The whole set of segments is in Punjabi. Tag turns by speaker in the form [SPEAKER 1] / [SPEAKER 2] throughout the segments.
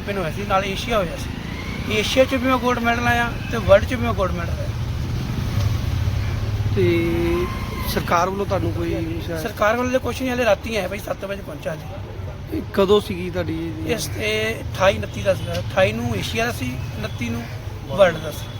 [SPEAKER 1] ਚੈਂਪੀਅਨ ਹੋਇਆ ਸੀ, ਨਾਲ ਏਸ਼ੀਆ ਹੋਇਆ ਸੀ। ਏਸ਼ੀਆ 'ਚ ਵੀ ਮੈਂ ਗੋਲਡ ਮੈਡਲ ਆਇਆ ਤੇ ਵਰਲਡ 'ਚ ਵੀ ਮੈਂ ਗੋਲਡ ਮੈਡਲ ਆਇਆ।
[SPEAKER 2] ਤੇ ਸਰਕਾਰ ਵੱਲੋਂ ਤੁਹਾਨੂੰ ਕੋਈ
[SPEAKER 1] ਸਰਕਾਰ ਵੱਲੋਂ ਤਾਂ ਕੁਛ ਨਹੀਂ, ਹਲੇ ਰਾਤੀ ਆਇਆ ਭਾਈ 7 ਵਜੇ ਪਹੁੰਚਾ ਜੀ।
[SPEAKER 2] ਕਦੋਂ ਸੀਗੀ ਤੁਹਾਡੀ
[SPEAKER 1] ਇਸ ਤੇ 28 29 ਦਾ ਸੀਗਾ, 28 ਨੂੰ ਏਸ਼ੀਆ ਦਾ ਸੀ, 29 ਨੂੰ ਵਰਲਡ ਦਾ ਸੀ।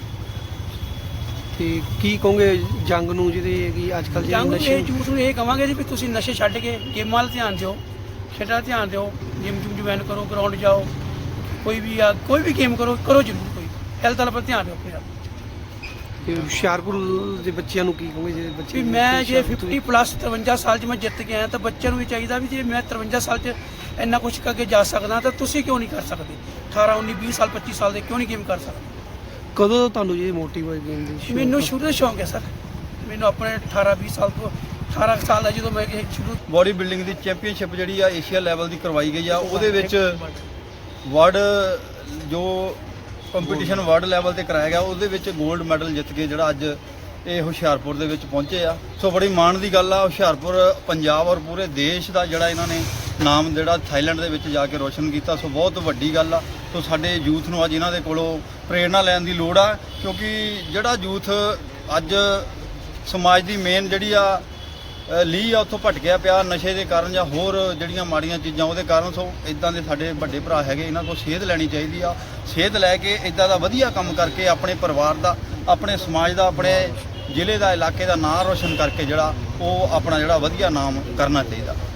[SPEAKER 2] ਤੇ ਕੀ ਕਹੋਗੇ ਜੰਗ ਨੂੰ ਜਿਹਦੇ ਕਿ ਅੱਜ ਕੱਲ੍ਹ
[SPEAKER 1] ਜੰਗ ਨੂੰ
[SPEAKER 2] ਨਸ਼ੇ
[SPEAKER 1] ਇਹ ਯੂਥ ਨੂੰ ਇਹ ਕਹਾਂਗੇ ਜੀ ਵੀ ਤੁਸੀਂ ਨਸ਼ੇ ਛੱਡ ਕੇ ਗੇਮਾਂ ਵੱਲ ਧਿਆਨ ਦਿਓ, ਖੇਡਾਂ 'ਤੇ ਧਿਆਨ ਦਿਓ, ਜਿਮ ਜੁਮ ਜੁਆਇਨ ਕਰੋ, ਗਰਾਊਂਡ ਜਾਓ, ਕੋਈ ਵੀ ਗੇਮ ਕਰੋ ਜ਼ਰੂਰ, ਕੋਈ ਹੈਲਥ ਵੱਲ ਧਿਆਨ ਦਿਓ ਆਪਣੇ ਆਪ।
[SPEAKER 2] ਤੇ ਹੁਸ਼ਿਆਰਪੁਰ ਦੇ ਬੱਚਿਆਂ ਨੂੰ ਕੀ ਕਹੋਗੇ ਜਿਹੜੇ ਬੱਚੇ
[SPEAKER 1] ਵੀ ਮੈਂ ਜੇ 50 ਪਲੱਸ 53 ਸਾਲ 'ਚ ਮੈਂ ਜਿੱਤ ਕੇ ਆਇਆ ਤਾਂ ਬੱਚਿਆਂ ਨੂੰ ਵੀ ਚਾਹੀਦਾ ਵੀ ਜੇ ਮੈਂ 53 ਸਾਲ 'ਚ ਇੰਨਾ ਕੁਛ ਕਰਕੇ ਜਾ ਸਕਦਾ ਤਾਂ ਤੁਸੀਂ ਕਿਉਂ ਨਹੀਂ ਕਰ ਸਕਦੇ? 18 19 20 ਸਾਲ 25 ਸਾਲ ਦੇ ਕਿਉਂ ਨਹੀਂ ਗੇਮ ਕਰ ਸਕਦੇ?
[SPEAKER 2] ਕਦੋਂ ਤੁਹਾਨੂੰ ਇਹ ਮੋਟਿਵ ਹੋਈ ਗੇਮ ਦੀ ਸ਼ੌਕ?
[SPEAKER 1] ਮੈਨੂੰ ਸ਼ੁਰੂ ਤੋਂ ਸ਼ੌਂਕ ਹੈ ਸਰ, ਮੈਨੂੰ ਆਪਣੇ 18 20 ਸਾਲ ਤੋਂ 18 ਸਾਲ ਦਾ ਜਦੋਂ ਮੈਂ ਸ਼ੁਰੂ
[SPEAKER 3] ਬੋਡੀ ਬਿਲਡਿੰਗ ਦੀ ਚੈਂਪੀਅਨਸ਼ਿਪ ਜਿਹੜੀ ਆ ਏਸ਼ੀਆ ਲੈਵਲ ਦੀ ਕਰਵਾਈ ਗਈ ਆ, ਉਹਦੇ ਵਿੱਚ ਵਰਲਡ ਜੋ ਕੰਪੀਟੀਸ਼ਨ ਵਰਲਡ ਲੈਵਲ ਤੇ ਕਰਾਇਆ ਗਿਆ, ਉਹਦੇ ਵਿੱਚ 골ਡ ਮੈਡਲ ਜਿੱਤ ਕੇ ਜਿਹੜਾ ਅੱਜ ਇਹ ਹੁਸ਼ਿਆਰਪੁਰ ਦੇ ਵਿੱਚ ਪਹੁੰਚੇ ਆ। ਸੋ ਬੜੀ ਮਾਣ ਦੀ ਗੱਲ ਆ, ਹੁਸ਼ਿਆਰਪੁਰ ਪੰਜਾਬ ਔਰ ਪੂਰੇ ਦੇਸ਼ ਦਾ ਜਿਹੜਾ ਇਹਨਾਂ ਨੇ ਨਾਮ ਜਿਹੜਾ ਥਾਈਲੈਂਡ ਦੇ ਵਿੱਚ ਜਾ ਕੇ ਰੋਸ਼ਨ ਕੀਤਾ। ਸੋ ਬਹੁਤ ਵੱਡੀ ਗੱਲ ਆ। ਸੋ ਸਾਡੇ ਯੂਥ ਨੂੰ ਅੱਜ ਇਹਨਾਂ ਦੇ ਕੋਲੋਂ ਪ੍ਰੇਰਣਾ ਲੈਣ ਦੀ ਲੋੜ ਆ, ਕਿਉਂਕਿ ਜਿਹੜਾ ਯੂਥ ਅੱਜ ਸਮਾਜ ਦੀ ਮੇਨ ਜਿਹੜੀ ਆ ਲੀਹ ਆ ਉੱਥੋਂ ਭਟਕਿਆ ਪਿਆ ਨਸ਼ੇ ਦੇ ਕਾਰਨ ਜਾਂ ਹੋਰ ਜਿਹੜੀਆਂ ਮਾੜੀਆਂ ਚੀਜ਼ਾਂ ਉਹਦੇ ਕਾਰਨ। ਸੋ ਇਦਾਂ ਦੇ ਸਾਡੇ ਵੱਡੇ ਭਰਾ ਹੈਗੇ, ਇਹਨਾਂ ਕੋਲ ਸੇਧ ਲੈਣੀ ਚਾਹੀਦੀ ਆ। ਸੇਧ ਲੈ ਕੇ ਇਦਾਂ ਦਾ ਵਧੀਆ ਕੰਮ ਕਰਕੇ ਆਪਣੇ ਪਰਿਵਾਰ ਦਾ, ਆਪਣੇ ਸਮਾਜ ਦਾ, ਆਪਣੇ ਜ਼ਿਲ੍ਹੇ ਦਾ, ਇਲਾਕੇ ਦਾ ਨਾਂ ਰੋਸ਼ਨ ਕਰਕੇ ਜਿਹੜਾ ਉਹ ਆਪਣਾ ਜਿਹੜਾ ਵਧੀਆ ਨਾਮ ਕਰਨਾ ਚਾਹੀਦਾ।